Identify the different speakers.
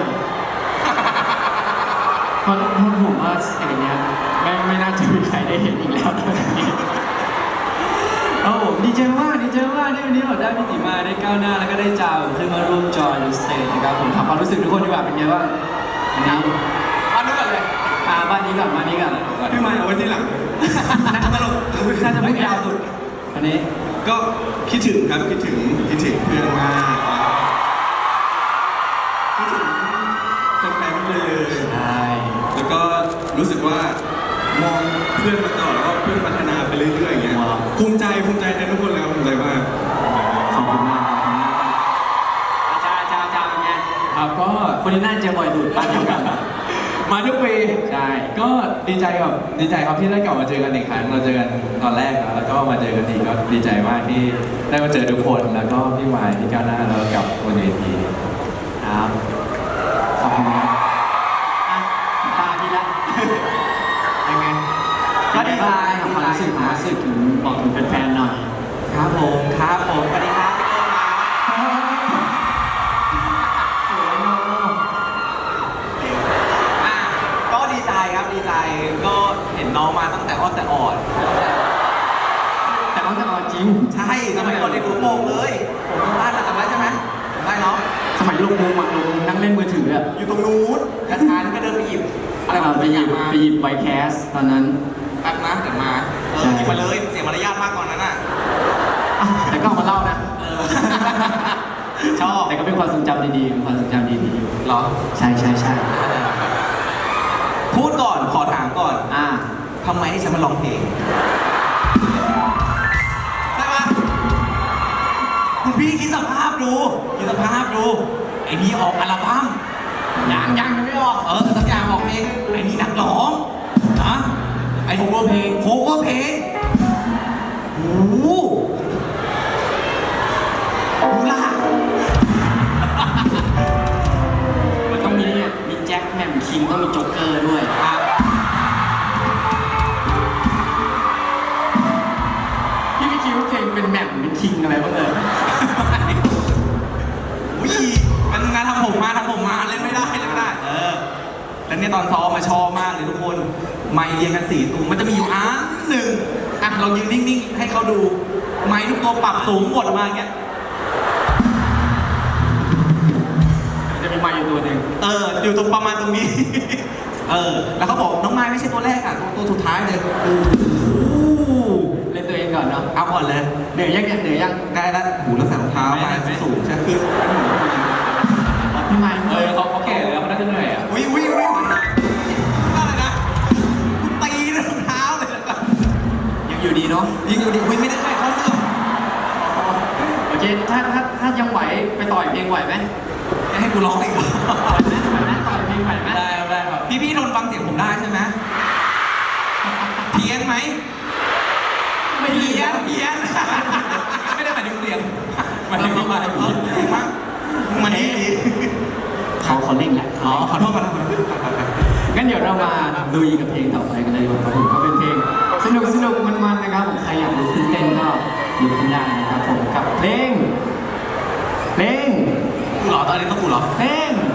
Speaker 1: เพราะผมว่าสเตจเนี้ยไม่น่าจะมีใครได้เห็นอีกแล้วตอนนี้ผมดีใจมากที่วันนี้เราได้พี่ติมาได้ก้าวหน้าแล้วก็ได้จาวขึ้นมาร่วมจอยในสเตจนะครับผมถามความรู้สึกทุกคนดีกว่าเป็นไงบ้างวันนี้
Speaker 2: บ้านนู้นก่อนเลย
Speaker 1: บ้านนี้ก่อน
Speaker 2: พี่มาเอาไว้ที่หลังน่าจะตลก
Speaker 1: น่าจะไม่ยาวสุดวันนี้
Speaker 2: ก็คิดถึงครับคิดถึงเพื่อนมากคิดถึงแฟนๆเลย
Speaker 1: ใช่
Speaker 2: แล้วก็รู้สึกว่ามองเพื่อนมาตลอดแล้วก็เพื่อนพัฒนาไปเรื่อยๆอย่างเงี้ยภูมิใจในทุกคนเลยครับภูมิใจมาก
Speaker 1: ขอบคุณมากอาจารย์เป็นไงครับก็คนนี้น่าจะบ่อยสุดบ้านเดียวกัน
Speaker 3: มาทุกปี
Speaker 1: ใช่
Speaker 3: ก็ดีใจครับที่ได้กลับมาเจอกันอีกครั้งเราเจอกันตอนแรกแล้วก็มาเจอกันอีกก็ดีใจมากที่ได้มาเจอทุกคนแล้วก็พี่วายพี่ก้าวหน้าแล้วกับบนเวที
Speaker 1: ครับขอบคุณครับตาพี่ละยังไงก็ดีใจความรู้สึกถึงบอกถึงแฟนๆหน่อย
Speaker 4: ครับผมสวัสดีครับก็ดีใจครับดีใจก็เห็นน้องมาตั้งแต่อ้อนแต่ออด
Speaker 1: จริง
Speaker 4: ใช่สมัยก่อนในหัวโป่งเลยผมบ้านจำได้ใช่ไหมได้เนาะ
Speaker 1: สมัยลูกมุมนั่งเล่นมือถือ
Speaker 4: อยู่ตรงนู้นกระชานก็เดินไปหยิบ
Speaker 1: ไปหยิบไวแคสตอนนั้น
Speaker 4: แป๊บนะเดี๋ยวมาหยิบมาเลยเสียมารยาทมากก่อนนั้นน่ะ
Speaker 1: แต่ก็มาเล่านะ
Speaker 4: ชอบ
Speaker 1: แต่ก็เป็นความทรงจำดีๆอยู่
Speaker 4: หรอ
Speaker 1: ใช่
Speaker 4: พูดก่อนขอถามก่อนทำไมให้ฉันมาร้องเพลงใช่ปะคุณพี่คิดสภาพดูไอ้นี่ออกอัลบั้มยังไม่ออกสักอย่างออกเพลงไอ้นี่นักร้องนะไอ้โคเวอร์เพลงโอ้โหดูล่ะ
Speaker 1: มันต้องมีแจ็คแมมคิงต้องมีโจ๊กเกอร์ด้วยพี่ไม่คิดว่าเพลงเป็นแมมเป็นคิงอะไรบ้างเลย
Speaker 4: มันงานทำผมมาเล่นไม่ได้แล้วเนี่ยตอนซ้อมมาชอบมากเลยทุกคนไมค์เรียงกัน4ตัวมันจะมีอยู่หนึ่งเรายืนนิ่งๆให้เขาดูไมค์ทุกตัวปรับสูงหมดมาอย่างเงี้ย
Speaker 1: จะมีไมค์อยู่ตัวหนึ่ง
Speaker 4: อยู่ตรงประมาณตรงนี้แล้วเขาบอกน้องไมค์ไม่ใช่ตัวแรกตัวสุดท้ายเลย
Speaker 1: เล่นตัวเองก่อนเนาะ
Speaker 4: เอาก่อนเลย
Speaker 1: เหนื่อยยัง
Speaker 4: ได้แล้วหูแล้วใส่รองเท้ามาสูงใช่คือ
Speaker 1: พี่ไมค์
Speaker 3: เขาแก่แล้วเขาน่าจะเหนื่อย
Speaker 4: วิ่งอะไรนะกูตีรองเท้าเลย
Speaker 1: ยังอยู่ดีเนาะ
Speaker 4: วิ่งไม่ได้เขาเสื่อม
Speaker 1: โอเคถ้ายังไหวไปต่อยเพลงไหวไหม
Speaker 4: ให้กูร้องอีก
Speaker 1: ต่อยเพลงไหวไหม
Speaker 4: ได้ครับพี่ทนฟังเสียงผมได้ใช่ไหมเพี้ยนไหมไม่เพี้ยนไม่ได้หมายถึงเสียงหมายถึงว่ามันนี่
Speaker 1: เขาเล่นแหละ
Speaker 4: ขอโทษ
Speaker 1: งั้นเดี๋ยวเรามาลุยกับเพลงต่อไปกันเลยดีกว่าครับผมก็เป็นเพลงสนุกมันนะครับผมใครอยากลุกขึ้นเต้นก็ลุกขึ้นได้นะครับผมกับเพลง
Speaker 4: กูเหรอตอนนี้ต้องกูเหรอ
Speaker 1: เพลง